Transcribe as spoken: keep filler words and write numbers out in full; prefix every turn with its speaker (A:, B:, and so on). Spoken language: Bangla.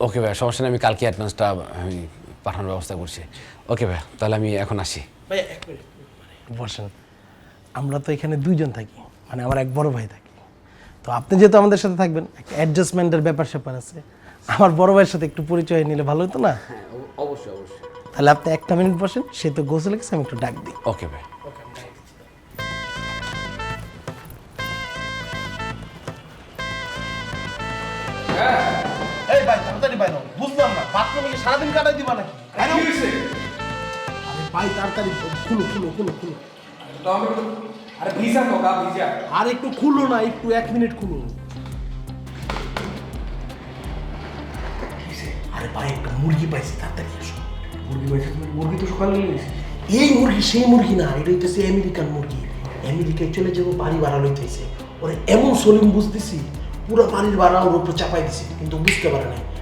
A: ওকে ভাই, সমস্যা নেই, আমি কালকে অ্যাডভান্সটা আমি পাঠানোর ব্যবস্থা করছি। ওকে ভাই, তাহলে আমি এখন আসি।
B: ভাই এক মিনিট বসেন। আমরা তো এখানে দুইজন থাকি, মানে আমার এক বড় ভাই থাকে। তো আপনি যেহেতু আমাদের সাথে থাকবেন, একটা অ্যাডজাস্টমেন্টের ব্যাপার স্যাপার আছে। আমার বড় ভাইয়ের সাথে একটু পরিচয় নিলে ভালো হতো না?
A: হ্যাঁ, অবশ্যই অবশ্যই।
B: তাহলে আপনি একটা মিনিট বসেন, সে তো গোসলে গেছে, আমি একটু ডাক দিই।
A: ওকে ভাই।
B: এই ভাই তাড়াতাড়ি বাইরে হও। বুঝলাম না, বাথরুমে কি সারাদিন কাটাই দিবা নাকি? বাইরে হও। আরে ভাই তাড়াতাড়ি খুলো খুলো খুলো খুলো।
C: আরে ভিজা তো গা ভিজা।
B: আর একটু খুলো না, একটু এক মিনিট খুলো। আরে ভাই একটা মুরগি পাইছি, তাড়াতাড়ি এসো।
C: মুরগি পাইছে তুমি? মুরগি তো সকালে নিয়েছি।
B: এই মুরগি সেই মুরগি না, এটা হইতেছে আমেরিকান মুরগি। আমেরিকায় চলে যাবো, বাড়ি ভাড়া লইতেছে। ওরে এমন সলিম বুঝতেছি, পুরো বাড়ির ভাড়া ওর উপর চাপাই দিছি, কিন্তু বুঝতে পারে নাই।